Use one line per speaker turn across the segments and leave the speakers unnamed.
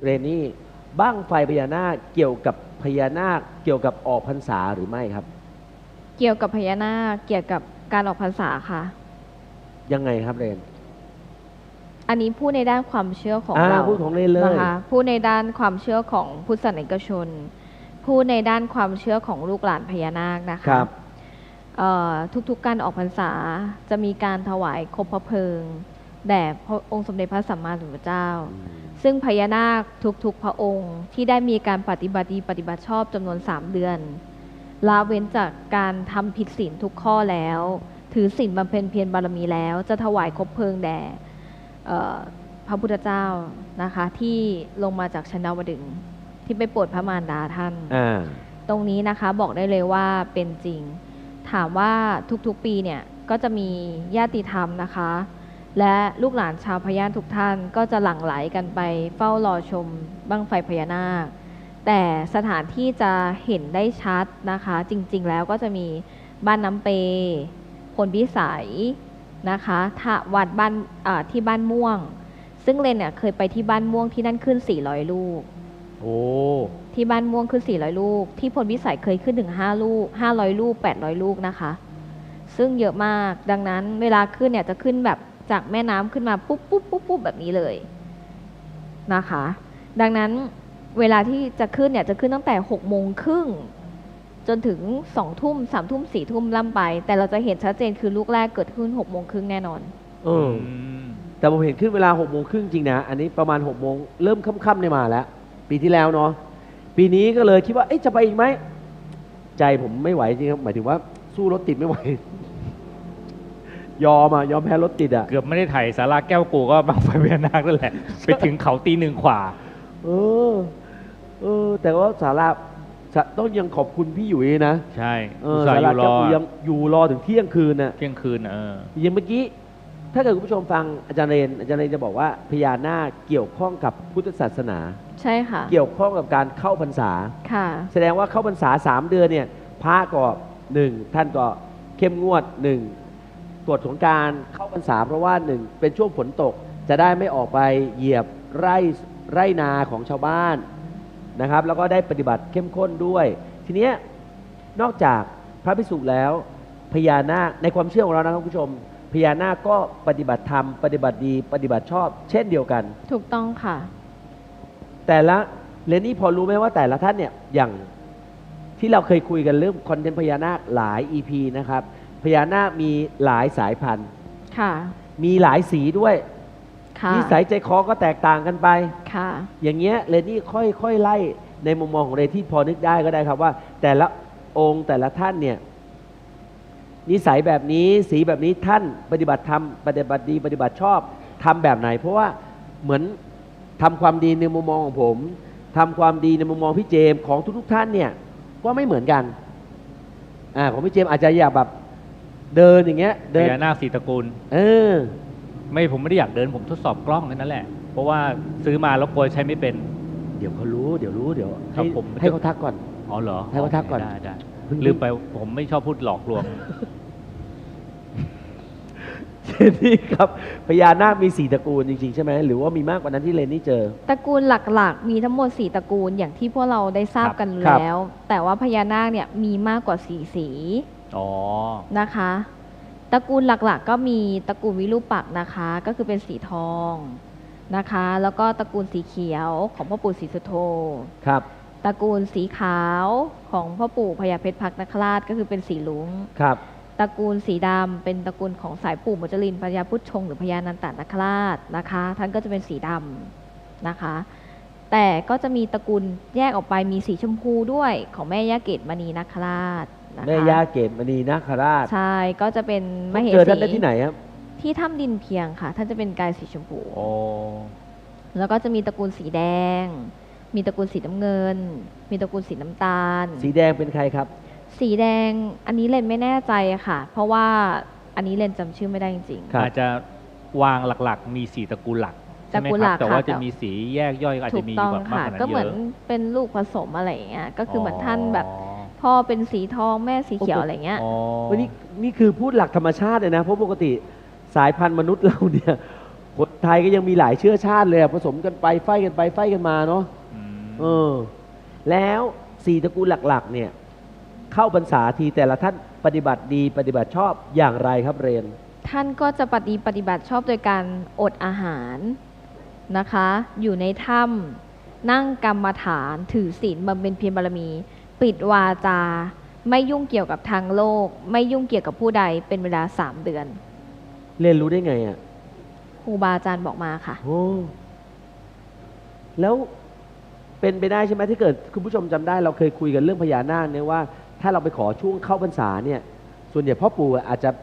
เรนนี่บั้งไฟพญานาคเกี่ยวกับพญานาคเกี่ยวกับออกพรรษาหรือไม่ครับ
เกี่ยวกับพญานาคเกี่ยวกับการออกพรรษาค่ะ
ยังไงครับเรน
อันนี้พูดในด้านความเชื่อของเรา
พูดของเรนเลย
นะคะพูดในด้านความเชื่อของพุทธศาสนิกชนพูดในด้านความเชื่อของลูกหลานพญานาคนะคะทุกๆการออกพรรษาจะมีการถวายคบพระเพลิงแด่พระองค์สมเด็จพระสัมมาสัมพุทธเจ้าซึ่งพญานาคทุกๆพระองค์ที่ได้มีการปฏิบัติดีปฏิบัติชอบจำนวน3 เดือนละเว้นจากการทำผิดศีลทุกข้อแล้วถือศีลบำเพ็ญเพียรบารมีแล้วจะถวายคบเพลิงแด่พระพุทธเจ้านะคะที่ลงมาจากชั้นดาวดึงส์ที่ไปโปรดพระมารดาท่านตรงนี้นะคะบอกได้เลยว่าเป็นจริงถามว่าทุกๆปีเนี่ยก็จะมีญาติธรรมนะคะและลูกหลานชาวพญาทุกท่านก็จะหลั่งไหลกันไปเฝ้ารอชมบั้งไฟพญานาคแต่สถานที่จะเห็นได้ชัดนะคะจริงๆแล้วก็จะมีบ้านน้ำเปพลพิสัยนะคะวัดบ้านที่บ้านม่วงซึ่งเรนเนี่ยเคยไปที่บ้านม่วงที่นั่นขึ้น400 ลูก
โอ้
ที่บ้านม่วงขึ้น400 ลูกที่พลพิสัยเคยขึ้นถึง5 ลูก500 ลูก800 ลูกนะคะซึ่งเยอะมากดังนั้นเวลาขึ้นเนี่ยจะขึ้นแบบจากแม่น้ำขึ้นมาปุ๊บปุ๊บปุ๊บปุ๊บแบบนี้เลยนะคะดังนั้นเวลาที่จะขึ้นเนี่ยจะขึ้นตั้งแต่6:30จนถึง2 ทุ่ม3 ทุ่ม4 ทุ่มล่ำไปแต่เราจะเห็นชัดเจนคือลูกแรกเกิดขึ้น6:30แน่นอน
แต่ผมเห็นขึ้นเวลา6:30จริงนะอันนี้ประมาณ6 โมงเริ่มค่ำๆเนี่ยมาแล้วปีที่แล้วเนาะปีนี้ก็เลยคิดว่าจะไปอีกไหมใจผมไม่ไหวจริงครับหมายถึงว่าสู้รถติดไม่ไหวยอมแพ้รถติดอ่ะ
เกือบไม่ได้ถ่ายสาราแก้วกูก็บังไฟพญานาคนั่นแหละไปถึงเขาตี 1 กว่า
แต่ว่าสาราต้องยังขอบคุณพี่หยุยนะ
ใช่
สาราแก้วกูยังอยู่รอถึงเที่ยงคืนน่ะ
เที่ยงคืน
อย่างเมื่อกี้ถ้าเกิดคุณผู้ชมฟังอาจารย์เรนจะบอกว่าพญานาคเกี่ยวข้องกับพุทธศาสนา
ใช่ค่ะ
เกี่ยวข้องกับการเข้าพรรษา
ค่ะ
แสดงว่าเข้าพรรษา3 เดือนเนี่ยพระก็1ท่านก็เข้มงวด1ตรวจของการเข้าพรรษาเพราะว่า1เป็นช่วงฝนตกจะได้ไม่ออกไปเหยียบไร่นาของชาวบ้านนะครับแล้วก็ได้ปฏิบัติเข้มข้นด้วยทีนี้นอกจากพระภิกษุแล้วพญานาคในความเชื่อของเรานะครับคุณผู้ชมพญานาคก็ปฏิบัติธรรมปฏิบัติดีปฏิบัติชอบเช่นเดียวกัน
ถูกต้องค่ะ
แต่ละเรนนี่พอรู้ไหมว่าแต่ละท่านเนี่ยอย่างที่เราเคยคุยกันเรื่องคอนเทนต์พญานาคหลาย EP นะครับพญานาคมีหลายสายพันธุ์
ค่ะ
มีหลายสีด้วยนิสัยใจคอก็แตกต่างกันไป
ค่ะ
อย่างเงี้ยเรนนี่ค่อยไล่ในมุมมองของเรนที่พอนึกได้ก็ได้ครับว่าแต่ละองค์แต่ละท่านเนี่ยนิสัยแบบนี้สีแบบนี้ท่านปฏิบัติธรรมปฏิบัติดีปฏิบัติชอบทำแบบไหนเพราะว่าเหมือนทำความดีในมุมมองของผมทำความดีในมุมมองพี่เจมของทุกท่านเนี่ยก็ไม่เหมือนกันของพี่เจมอาจจะอยากแบบเดินอย่างเงี้ย
เดินพญานาค4 ตระกูลไม่ผมไม่ได้อยากเดินผมทดสอบกล้องแค่นั้นแหละเพราะว่าซื้อมาแล้วกลัวใช้ไม่เป็น
เดี๋ยวเขารู้เดี๋ยวให้เขาทักก่อน
อ๋อเหรอ
ให้เขาทักก่อน
ได้ลืมไปผมไม่ชอบพูดหลอกลวง
เช่นนี้ครับพญานาคมี4 ตระกูลจริงๆใช่ไหมหรือว่ามีมากกว่านั้นที่เรนนี่เจอ
ตระกูลหลักๆมีทั้งหมด4 ตระกูลอย่างที่พวกเราได้ทราบกันแล้วแต่ว่าพญานาคเนี่ยมีมากกว่า4 สีนะคะตระกูลหลักๆก็มีตระกูลวิรูปักษ์นะคะก็คือเป็นสีทองนะคะแล้วก็ตระกูลสีเขียวของพ่อปู่ศรีสุโธ
ครับ
ตระกูลสีขาวของพ่อปู่พญาเพชรพักนคราชก็คือเป็นสีลุ้ง
ครับ
ตระกูลสีดำเป็นตระกูลของสายปู่มุจลินพญาพุทธชงหรือพญานันตนคราชนะคะท่านก็จะเป็นสีดำนะคะแต่ก็จะมีตระกูลแยกออกไปมีสีชมพูด้วยของแม่ย่าเกตมณีนคราช
แม่ย่าเกตมณีนาคราช
ใช่ก็จะเป็นมเหสี
เจอท่านได้ที่ไหนครับ
ที่ถ้ำดินเพียงค่ะท่านจะเป็นกายสีชมพูแล้วก็จะมีตระกูลสีแดงมีตระกูลสีน้ำเงินมีตระกูลสีน้ำตาล
สีแดงเป็นใครครับ
สีแดงอันนี้เรนไม่แน่ใจค่ะเพราะว่าอันนี้เรนจำชื่อไม่ได้จริง
ๆอาจจะวางหลักๆมี4 ตระกูลหลักใช่ไหมครับแต่ว่าจะมีสีแยกย่อยอาจจะมีแบบมากกว่านั้นเยอะ
ก็เหมือนเป็นลูกผสมอะไรอย่างเงี้ยก็คือเหมือนท่านแบบพ่อเป็นสีทองแม่สีเขียวอะไรเงี้ย
วันนี้นี่คือพูดหลักธรรมชาติเลยนะเพราะปกติสายพันธุ์มนุษย์เราเนี่ยคนไทยก็ยังมีหลายเชื้อชาติเลยอะผสมกันไปไฟกันไปไฟกันมาเนาะ
อืม
เออ แล้วสี่ตระกูลหลักๆ เนี่ย เข้าพรรษาทีแต่ละท่านปฏิบัติดีปฏิบัติชอบอย่างไรครับเรน
ท่านก็จะปฏิบัติชอบโดยการอดอาหารนะคะ อยู่ในถ้ำนั่งกรรมฐานถือศีลบำเพ็ญเพียรบารมี ปิดวาจา ไม่ยุ่งเกี่ยวกับทางโลก ไม่ยุ่งเกี่ยวกับผู้ใดเป็นเวลา3 เดือน
เรนรู้ได้ไงอ่ะ
ครูบาอาจารย์บอกมาค่ะ
โอ้แล้วเป็นไปได้ใช่ไหมที่เกิดคุณผู้ชมจำได้เราเคยคุยกันเรื่องพญานาคเนี่ยว่า ถ้าเราไปขอช่วงเข้าพรรษาเนี่ย ส่วนใหญ่พ่อปู่อาจจะ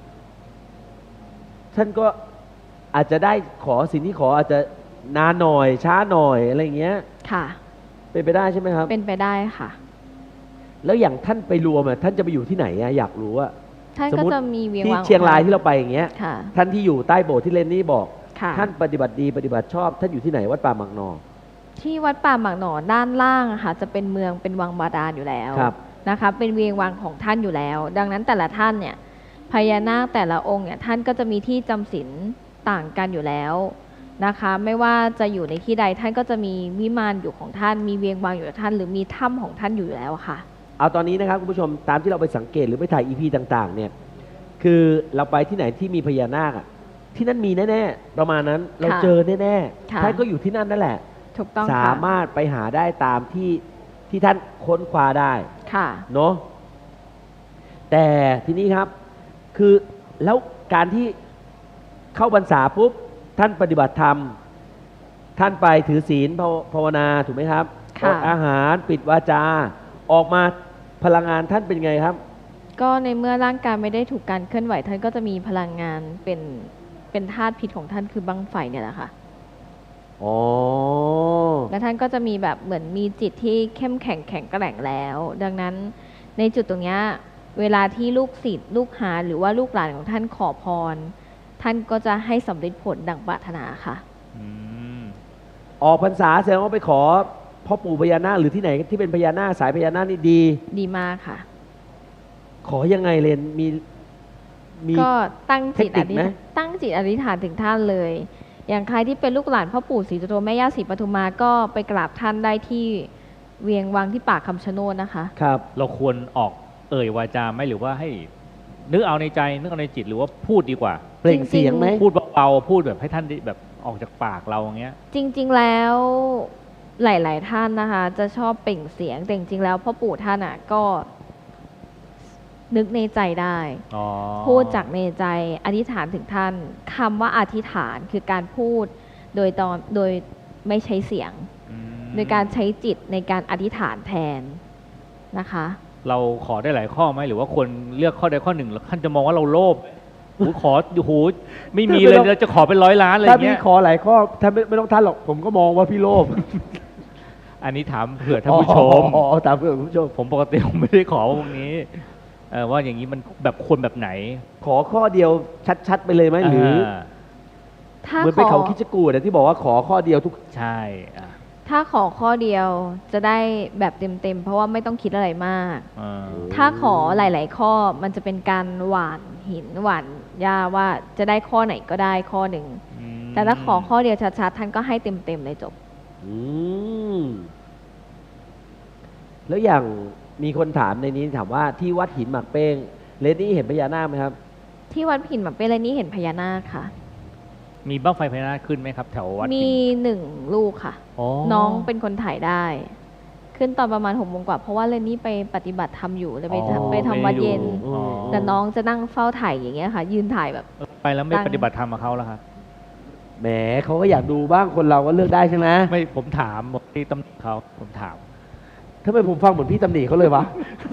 ท่านก็อาจจะได้ขอสิ่งที่ขออาจจะนานหน่อยช้าหน่อยอะไรอย่างเงี้ย
ค่ะ
เป็นไปได้ใช่ไหมครับ
เป็นไปได้ค่ะ
แล้วอย่างท่านไปรวมอ่ะท่านจะไปอยู่ที่ไหนอ่ะอยากรู้อ่ะ
ท่าน
สม
ก็
มุติ
จะมีเวียง
ที่
วัง
เชียงราย
ขอ
ที่เราไปอย่างเงี้ย
ค่ะ
ท่านที่อยู่ใต้โบสถ์ที่เรนนี่บอก
ค่ะ
ท่านปฏิบัติดีปฏิบัติชอบ ท่านอยู่ที่ไหนวัดป่าหมักนอ
ที่วัดป่าหมากหนอด้านล่างอะค่ะจะเป็นเมืองเป็นวังบาดาลอยู่แล้ว
ครับ
นะคะเป็นเวียงวังของท่านอยู่แล้ว ดังนั้นแต่ละท่านเนี่ยพญานาคแต่ละองค์เนี่ยท่านก็จะมีที่จำศีลต่างกันอยู่แล้วนะคะ ไม่ว่าจะอยู่ในที่ใดท่านก็จะมีวิมานอยู่ของท่าน มีเวียงวังอยู่ของท่าน หรือมีถ้ำของท่านอยู่แล้วค่ะ
เอาตอนนี้นะครับคุณผู้ชมตามที่เราไปสังเกตหรือไปถ่ายอีพีต่างๆ เนี่ย คือเราไปที่ไหนที่มีพญานาคอะที่นั่นมีแน่ๆประมาณนั้นเราเจอแน่
ค่ะ
ๆท่านก็อยู่ที่นั่นนั่นแหละ
ถูกต้อง
สา
ค่ะ
มารถไปหาได้ตามที่ท่านค้นคว้าได้
ค่ะ
เนาะแต่ทีนี้ครับ คือแล้วการที่เข้าพรรษาปุ๊บท่านปฏิบัติธรรม ท่านไปถือศีลภาวนาถูกไหมครับ
ค่ะ
อดอาหารปิดวาจา ออกมาพลังงานท่านเป็นไงครับ
ก็ในเมื่อร่างกายไม่ได้ถูกการเคลื่อนไหวท่านก็จะมีพลังงานเป็นธาตุพิษของท่านคือบั้งไฟเนี่ยแหละค่ะ
อ๋อ
และท่านก็จะมีแบบเหมือนมีจิตที่เข้มแข็งแข็งแกร่งแล้ว ดังนั้นในจุดตรงเนี้ยเวลาที่ลูกศิษย์ลูกหาหรือว่าลูกหลานของท่านขอพร ท่านก็จะให้สำเร็จผลดังปรารถนาค่ะ
อืม
ออกพรรษาแสดงว่าไปขอพ่อปู่พญานาคหรือที่ไหนที่เป็นพญานาคสายพญานาคนี่ดี
ดีมากค่ะ
ขอยังไงเรนมี
ก็ตั้งจิต
เทคนิคไหม
ตั้งจิตอธิษฐานถึงท่านเลย อย่างใครที่เป็นลูกหลานพ่อปู่ศรีสุโธแม่ย่าศรีปทุมมาก็ไปกราบท่านได้ที่เวียงวังที่ปากคำชะโนดนะคะ
ครับ
เราควรออกเอ่ยวาจาไหมหรือว่าให้นึกเอาในใจนึกเอาในจิตหรือว่าพูดดีกว่า
เปล่งเสียงไหม
พูดเบาๆพูดแบบให้ท่านได้แบบออกจากปากเราอย่างเงี้ย
จริงๆ แล้วหลาย ๆ ท่านนะคะ จะชอบเปล่งเสียง แต่จริงๆ แล้วพ่อปู่ท่านอ่ะก็นึกในใจได้
อ๋อ
พูดจากในใจอธิษฐานถึงท่านคำว่าอธิษฐานคือการพูดโดยไม่ใช้เสียง
อืม
โดยการใช้จิตในการอธิษฐานแทนนะคะ
เราขอได้หลายข้อไหมหรือว่าควรเลือกข้อใดข้อหนึ่งแล้วท่านจะมองว่าเราโลภโอ้โหขอโอ้โหไม่มีเลยเราจะขอเป็น100 ล้านอะไรอ
ถ้า
ย่าง
พี่
เงี้ย
ขอหลายข้อท่านไม่ต้องท่านหรอกผมก็มองว่าพี่โลภ
อันนี้ถามเผื่อท่านผู้ชม
อ๋อตามเพื่อนคุณผู้ชม
ผมปกติผมไม่ได้ขอพวกนี้ว่าอย่างนี้มันแบบควรแบบไหน
ขอข้อเดียวชัดๆไปเลยไหมหรือ
ถ้า
เหมือน
ข
ไป
อ
เขาคิดจะกูดที่บอกว่าขอข้อเดียวทุก
ใช่อ่ะ
ถ้าขอข้อเดียวจะได้แบบเต็มๆ เพราะว่าไม่ต้องคิดอะไรมาก
อ่า
ถ้าขอหลาย ๆ ข้อมันจะเป็นการหว่านหินหว่านหญ้าว่าจะได้ข้อไหนก็ได้ข้อหนึ่ง
อืม
แต่ถ้าขอข้อเดียวชัดๆท่านก็ให้เต็มๆเลยจบ
อืมแล้วอย่างมีคนถามในนี้ถามว่าที่วัดหินหมากเป้งเลนนี่เห็นพญานาคไหมครับ
ที่วัดผินหมาเปรนี้เห็นพญานาคค่ะ
มีบ้างไฟพญานาคขึ้นไหมครับ แถววัด
มี
หิน
1 ลูกค่ะ
อ๋อ
น้องเป็นคนถ่ายได้ ขึ้นตอนประมาณ6 โมงกว่าเพราะว่าเรนนี่ไปปฏิบัติธรรมอยู่เลยไปทำวัดเย็น
อ๋อ
แต่น้องจะนั่งเฝ้าถ่ายอย่างเงี้ยค่ะ ยืนถ่ายแบบ
ไปแล้วไม่ปฏิบัติธรรมกับเขาแล้วครับ
แหมเขาก็อยากดูบ้างคนเราก็เลือกได้ใช่ไหม
ไม่ผมถามบอกที่ตำหนิเขาผมถาม
ทำไมผมฟังเหมือนพี่ตำหนิเขาเลยวะ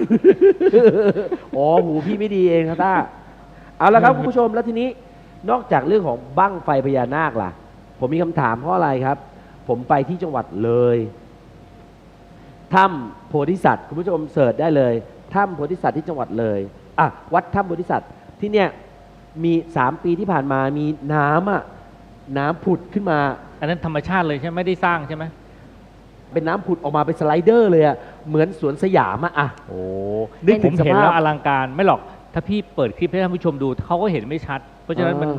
อ๋อหูพี่ไม่ดีเองครับต้าเอาละครับคุณผู้ชมแล้วทีนี้นอกจากเรื่องของบั้งไฟพญานาคล่ะ ผมมีคำถามเพราะอะไรครับ ผมไปที่จังหวัดเลยถ้ำโพธิสัตว์คุณผู้ชมเสิร์ชได้เลยถ้ำโพธิสัตว์ที่จังหวัดเลยอ่ะวัดถ้ำโพธิสัตว์ที่เนี่ยมี3 ปีที่ผ่านมามีน้ำผุดขึ้นมา
อันนั้นธรรมชาติเลยใช่ไหมไม่ได้สร้างใช่ไหม
เป็นน้ำผุดออกมาเป็นสไลเดอร์เลยอะเหมือนสวนสยามอะ
โอ้
นึก
ผ
ถึ
ม
งส
เห็น
ภา
แล้
พ
วอลังการไม่หรอกถ้าพี่เปิดคลิปให้ท่านผู้ชมดูเขาก็เห็นไม่ชัด เพราะฉะนั้นมัน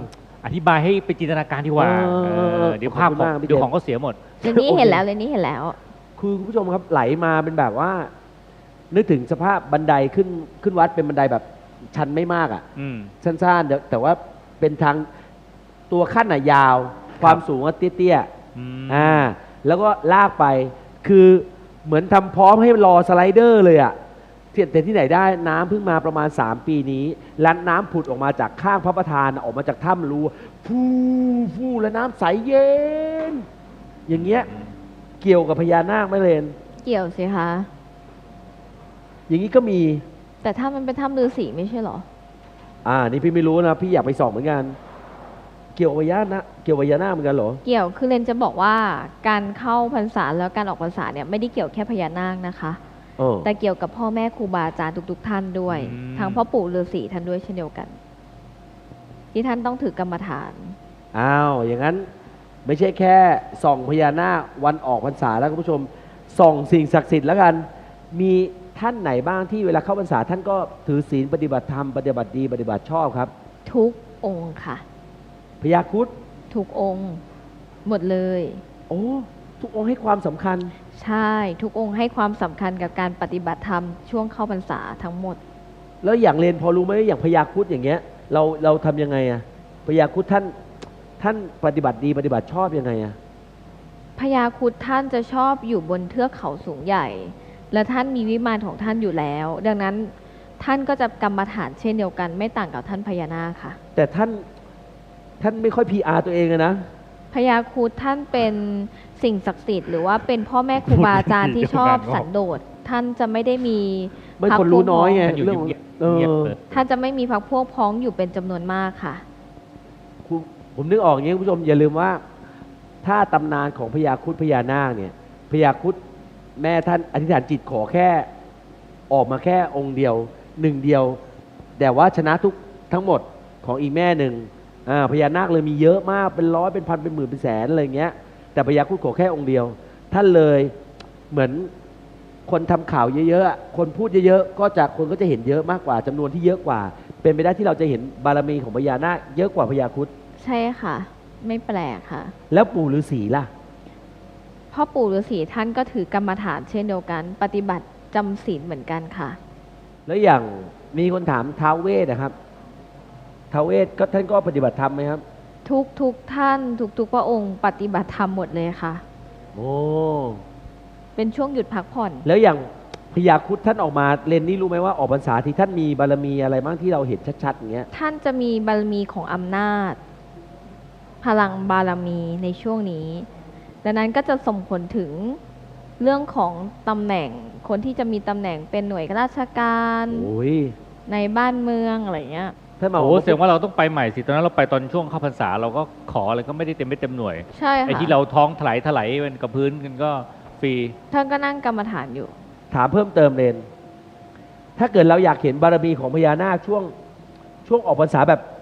อธิบายให้ไปจินตนาการดีกว่า เดี๋ยวภาพ
ขอบคุณมากพี่
เดี๋ยว
เจ
ของก็เสียหมด
เรนนี่เห็นแล้วเรนนี่เห็นแล้ว
คือคุณผู้ชมครับไหลมาเป็นแบบว่า นึกถึงสภาพบันไดขึ้นวัดเป็นบันไดแบบชันไม่มากอ่ะ
อืม
สั้นๆแต่ว่าเป็นทางตัวขั้นอ่ะยาว ความสูงก็เตี้ย
อืม
ๆแล้วก็ลากไป คือเหมือนทำพร้อมให้รอสไลเดอร์เลยอ่ะแต่ที่ไหนได้น้ำเพิ่งมาประมาณ 3 ปีนี้แล้วน้ำผุดออกมาจากข้างพระประธานออกมาจากถ้ำรูฟูแล้วน้ำใสเย็น อย่างเงี้ยเกี่ยวกับพญานาคไหมเรน
เกี่ยวสิคะ
อย่างนี้ก็มี
แต่ถ้ามันเป็นถ้ำฤาษีไม่ใช่เหรอ
นี่พี่ไม่รู้นะ พี่อยากไปส่องเหมือนกัน เกี่ยวกับพญานาคเกี่ยวกับพญานาคเหมือนกันเหรอ
เกี่ยวคือเรนจะบอกว่าการเข้าพรรษาแล้วการออกพรรษาเนี่ยไม่ได้เกี่ยวแค่พญานาคนะคะ แต่เกี่ยวกับพ่อแม่ครูบาอาจารย์ทุกๆท่านด้วย
อืม
ทั้งพ่อปู่ฤาษีท่านด้วยเช่นเดียวกัน ที่ท่านต้องถือกรรมฐาน
อย่างนั้นไม่ใช่แค่ส่องพญานาควันออกพรรษาแล้วคุณผู้ชมส่องสิ่งศักดิ์สิทธิ์แล้วกัน มีท่านไหนบ้างที่เวลาเข้าพรรษาท่านก็ถือศีลปฏิบัติธรรมปฏิบัติดีปฏิบัติชอบครับ
ทุกองค์ค่ะ
พญาครุฑ
ทุกองค์หมดเลย
โอ้ทุกองค์ให้ความสำคัญ
ใช่ทุกองค์ให้ความสำคัญกับการปฏิบัติธรรมช่วงเข้าพรรษาทั้งหมด
แล้วอย่างเรนพอรู้ไหมอย่างพญาครุฑอย่างเงี้ยเราทำยังไงอะพญาครุฑท่านปฏิบัติดีปฏิบัติชอบยังไงอะ
พญาครุฑท่านจะชอบอยู่บนเทือกเขาสูงใหญ่ และท่านมีวิมานของท่านอยู่แล้ว ดังนั้นท่านก็จะกรรมฐานเช่นเดียวกัน ไม่ต่างกับท่านพญานาคค่ะ
แต่ท่านไม่ค่อย PR ตัวเองเลยนะ
พญาครุฑท่านเป็นสิ่งศักดิ์สิทธิ์หรือว่าเป็นพ่อแม่ครูบาอาจารย์ที่ชอบสันโดษท่านจะไม่ได้มี
ไม่คนรู้น้อยไง
ท่านอยู่
เรื่อง
เงียบ
เออ
เงียบเลย
ท่านจะไม่มีพรรคพวกพ้องอยู่เป็นจำนวนมากค่ะ
ผมนึกออกอย่างนี้คุณผู้ชมอย่าลืมว่า ถ้าตำนานของพญาครุฑพญานาคเนี่ยพญาครุฑแม่ท่านอธิษฐานจิตขอแค่ออกมาแค่องค์เดียวหนึ่งเดียว แต่ว่าชนะทั้งหมดของอีกแม่หนึ่งพญานาคเลยมีเยอะมากเป็นร้อยเป็นพันเป็นหมื่นเป็นแสนอะไรเงี้ยแต่พญาครุฑขอแค่องค์เดียว ท่านเลยเหมือนคนทำข่าวเยอะๆคนพูดเยอะๆคนก็จะเห็นเยอะมากกว่าจำนวนที่เยอะกว่า เป็นไปได้ที่เราจะเห็นบารมีของพญานาคเยอะกว่าพญาครุฑ
ใช่ค่ะ ไม่แปลกค่ะ
แล้วปู่ฤาษีล่ะ
พ่อปู่ฤาษีท่านก็ถือกรรมฐานเช่นเดียวกัน ปฏิบัติจำศีลเหมือนกันค่ะ
แล้วอย่างมีคนถามท้าวเวสนะครับท้าวเวสก็ท่านก็ปฏิบัติธรรมไหมครับ
ทุกท่านทุกพระองค์ปฏิบัติธรรมหมดเลยค่ะ
โอ้
เป็นช่วงหยุดพักผ่อน
แล้วอย่างพญาครุฑท่านออกมาเรนนี่รู้ไหมว่าออกพรรษาที่ท่านมีบารมีอะไรบ้างที่เราเห็นชัดๆอย่างเงี้ย
ท่านจะมีบารมีของอำนาจ พลังบารมีในช่วงนี้ ดังนั้นก็จะส่งผลถึงเรื่องของตำแหน่ง คนที่จะมีตำแหน่งเป็นหน่วยราชการ
โอ้ย
ในบ้านเมืองอะไรเงี้ย
ท่านมา
โอ้แสดงว่าเราต้องไปใหม่สิตอนนั้นเราไปตอนช่วงเข้าพรรษาเราก็ขออะไรก็ไม่ได้เต็มไม่เต็มหน่วย
ใช่ค่ะ
ไอ้ที่เราท้องถลายมันกับพื้นกันก็ฟรี
ท่านก็นั่งกรรมฐานอยู่
ถามเพิ่มเติมเรนถ้าเกิดเราอยากเห็นบารมีของพญานาคช่วงออกพรรษา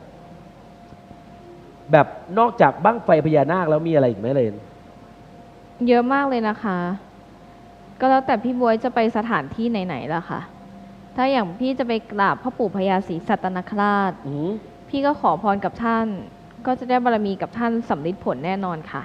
แบบนอกจากบั้งไฟพญานาคแล้วมีอะไรอีกไหมเรน
เยอะมากเลยนะคะ ก็แล้วแต่พี่บวยจะไปสถานที่ไหนๆล่ะค่ะ ถ้าอย่างพี่จะไปกราบพ่อปู่พญาศรีสัตนคราช
อือ
พี่ก็ขอพรกับท่าน ก็จะได้บารมีกับท่านสำลิดผลแน่นอนค่ะ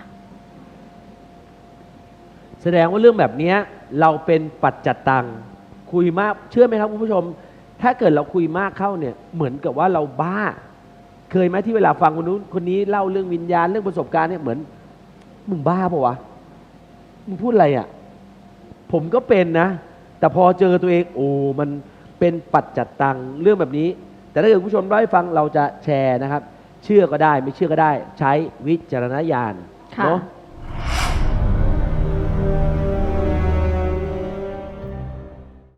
แสดงว่าเรื่องแบบเนี้ยเราเป็นปัจจัตตังคุยมากเชื่อไหมครับคุณผู้ชม ถ้าเกิดเราคุยมากเข้าเนี่ยเหมือนกับว่าเราบ้า เคยไหมที่เวลาฟังคนนู้นคนนี้เล่าเรื่องวิญญาณเรื่องประสบการณ์เนี่ยเหมือนมึงบ้าปะวะมึงพูดอะไรอ่ะผมก็เป็นนะ แต่พอเจอตัวเองโอ้มันเป็นปัจจัตตังเรื่องแบบนี้ แต่ถ้าเกิดคุณผู้ชมได้ฟังเราจะแชร์นะครับ เชื่อก็ได้ไม่เชื่อก็ได้ ใช้วิจารณญาณ
ค่ะ
เนาะ